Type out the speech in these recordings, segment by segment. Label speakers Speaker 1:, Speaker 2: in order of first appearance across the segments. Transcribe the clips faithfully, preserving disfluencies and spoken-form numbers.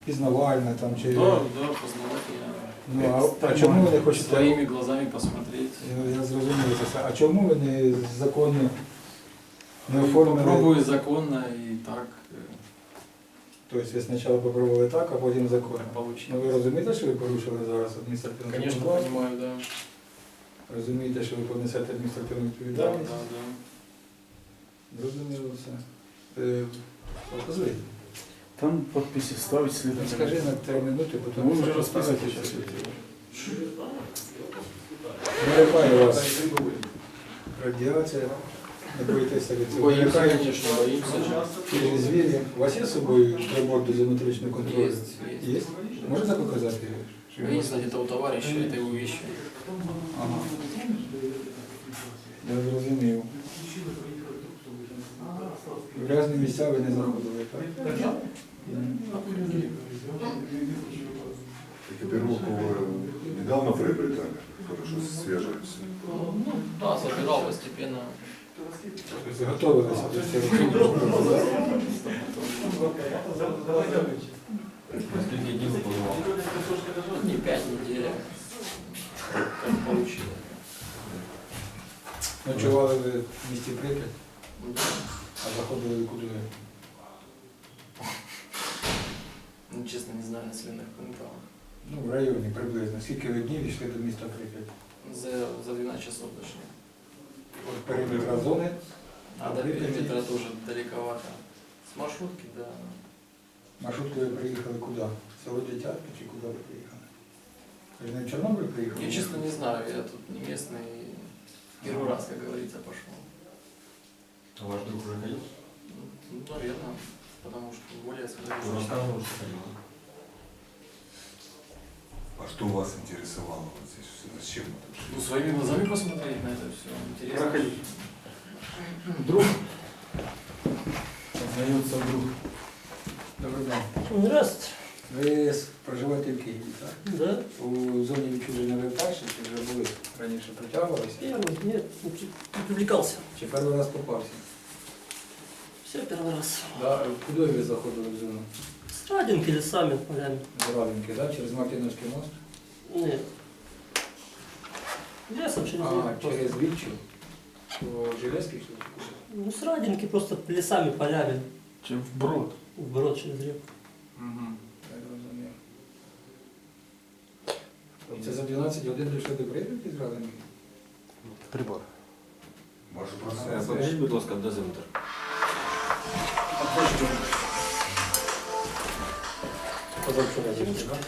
Speaker 1: пізнавальна там чи.
Speaker 2: Да, да, познавательно.
Speaker 1: Ну, а, а чому ви не хочете?
Speaker 2: Своими глазами посмотреть.
Speaker 1: Я, я зрозумів це все. А чому ви не законно не
Speaker 2: Ну,
Speaker 1: оформили?
Speaker 2: попробую законно и так э,
Speaker 1: Тобто ви спочатку попробували так, а потім законно. Ну
Speaker 2: получилось.
Speaker 1: ви розумієте, що ви порушили зараз адміністративну
Speaker 2: Конечно,
Speaker 1: відповідальність?
Speaker 2: понимаю, да.
Speaker 1: Розумієте, що ви понесете адміністративну
Speaker 2: Да,
Speaker 1: відповідальність?
Speaker 2: да, да.
Speaker 1: Зрозуміло все. Е, Позвольте.
Speaker 3: Там подписи ставить
Speaker 1: Ну,
Speaker 3: следователь.
Speaker 1: скажи на три минути,
Speaker 3: Ну,
Speaker 1: потім
Speaker 3: ви вже розписуєте зараз.
Speaker 1: Налякає вас радіація, не боїтеся від цього.
Speaker 2: Боимся,
Speaker 1: Налякає
Speaker 2: конечно, боимся.
Speaker 1: ті звірі. У вас є з собою прибор дозиметричного контролю?
Speaker 2: Есть, есть.
Speaker 1: Є? Можете показати? Що
Speaker 2: Я не знаю, где-то у товарища, это его вещи.
Speaker 1: Ага. Я зрозумів. В грязні місця ви не заходили, так? М.
Speaker 4: Экипировку вы недавно приобретали? Хорошо, свежая все.
Speaker 2: Ну, да, собирал постепенно.
Speaker 1: Тобто готувалися до цього.
Speaker 5: Скільки днів подавав?
Speaker 2: Не пять недель. Как получилось.
Speaker 1: Ночували ви в місті Прип'ять,
Speaker 2: Ну,
Speaker 1: а заходили куди?
Speaker 2: Ну, честно, не знаю населенных пунктов.
Speaker 1: Ну, в районі приблизно. Скільки ви днів йшли до міста Прип'ять?
Speaker 2: За, за двенадцать часов дошли.
Speaker 1: От периметра зони.
Speaker 2: А до периметра тоже далековато. С маршрутки, да.
Speaker 1: Маршруткою ви приїхали куди? В село Дитятки чи куди ви приїхали? Ви не в Чорнобиль приїхали?
Speaker 2: Я честно не знаю, я тут не местный. Первый раз, как говорится, пошел.
Speaker 5: А ваш друг уже ходил?
Speaker 2: Ну, наверное, потому что более
Speaker 5: Он
Speaker 2: осведомлен.
Speaker 5: рассказывал, что ходил.
Speaker 4: А что вас интересовало вот здесь? Все? Зачем это вообще?
Speaker 2: Ну, своими глазами посмотреть на это все. Интересно.
Speaker 3: Проходи. Друг. Познается друг.
Speaker 1: Добрий день.
Speaker 6: Здравствуйте.
Speaker 1: Ви с- проживаєте в Києві, так?
Speaker 6: Да.
Speaker 1: У зоні відчуження ви вперше, чи вже були раніше притягувалися?
Speaker 6: Первый, нет, не при- не привлекался.
Speaker 1: Чи перший раз попався?
Speaker 6: Все первый раз.
Speaker 1: Да. Куди ви заходили в зону?
Speaker 6: С Радинки лесами, полями.
Speaker 1: З Радинки, так? Через Мартиновський мост?
Speaker 6: Нет. Лесом через
Speaker 1: А,
Speaker 6: реку просто.
Speaker 1: через Вільчу? По Железкій чи куди?
Speaker 6: Ну, с Радинки просто лесами, полями.
Speaker 3: Чем вброд.
Speaker 6: Вброд через реку.
Speaker 1: Угу. Я зрозумів. І це за дванадцять годин дійшли до Прип'яті з Радинки?
Speaker 3: Прибор.
Speaker 4: Ваше
Speaker 1: Ага.
Speaker 4: процесс.
Speaker 5: Покажіть, будь ласка, дозиметр.
Speaker 1: Позавчора зійшли, так?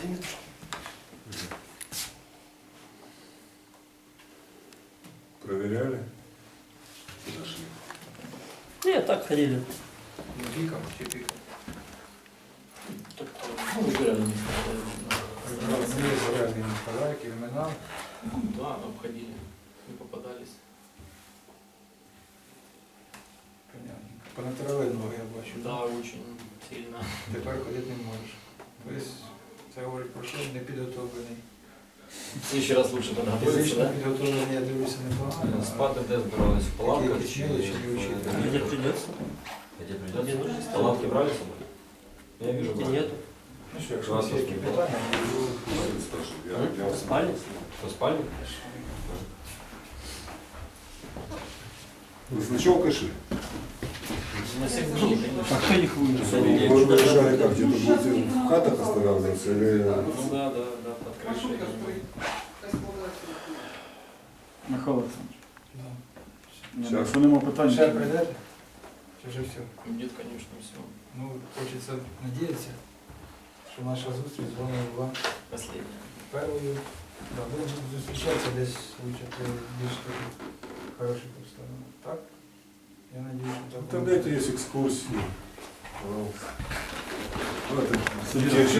Speaker 4: Проверяли? Куда шли?
Speaker 6: Нет, так ходили.
Speaker 1: Ну, піком чи піком?
Speaker 2: Ну, выбирали место.
Speaker 1: Розуміє зарядні подарки, імена.
Speaker 2: Да, обходили. Не попадались.
Speaker 1: Понятно. Понатирали ноги, я бачу.
Speaker 2: Да, очень сильно.
Speaker 1: Тепер ходити не можеш. Тобто це говорить про що непідготовлений.
Speaker 5: В следующий раз лучше подготовиться,
Speaker 1: Фізично
Speaker 5: да?
Speaker 1: підготовлений, я дивлюся, непогано.
Speaker 5: Спати де збирались? В палатках?
Speaker 1: Какие кишмели, чи не учили?
Speaker 6: Где придется?
Speaker 5: Где
Speaker 6: Где
Speaker 5: придется?
Speaker 6: нужно?
Speaker 5: Палатки брали с собой? Я вижу,
Speaker 6: Где
Speaker 5: брали.
Speaker 6: нету.
Speaker 1: Ну що, якщо у вас є які питання,
Speaker 4: Спрашиваю, я, я
Speaker 6: Спали?
Speaker 5: Что, спальник?
Speaker 4: Вы с ночевкой шли?
Speaker 2: На всех дней, конечно.
Speaker 3: А кто их вынес?
Speaker 4: Вы решали как, где-то будете в хатах останавливаться или...
Speaker 2: Ну да, да, да, под крышей.
Speaker 3: Михайло Олександрович.
Speaker 1: да.
Speaker 3: Ні,
Speaker 4: Щас.
Speaker 3: Якщо нема питань,
Speaker 1: Ще прийдете? Чи вже все?
Speaker 2: Нет, конечно, все.
Speaker 1: Ну, хочеться надіятися, що наша зустріч з вами була
Speaker 2: Последнее.
Speaker 1: першою. Да, будемо зустрічатися десь вивчити більш такі хороші обставини. Так? Я надіюся, що так.
Speaker 4: Тогда это есть экскурсии. Пожалуйста. Ну, это
Speaker 3: Собирайтесь.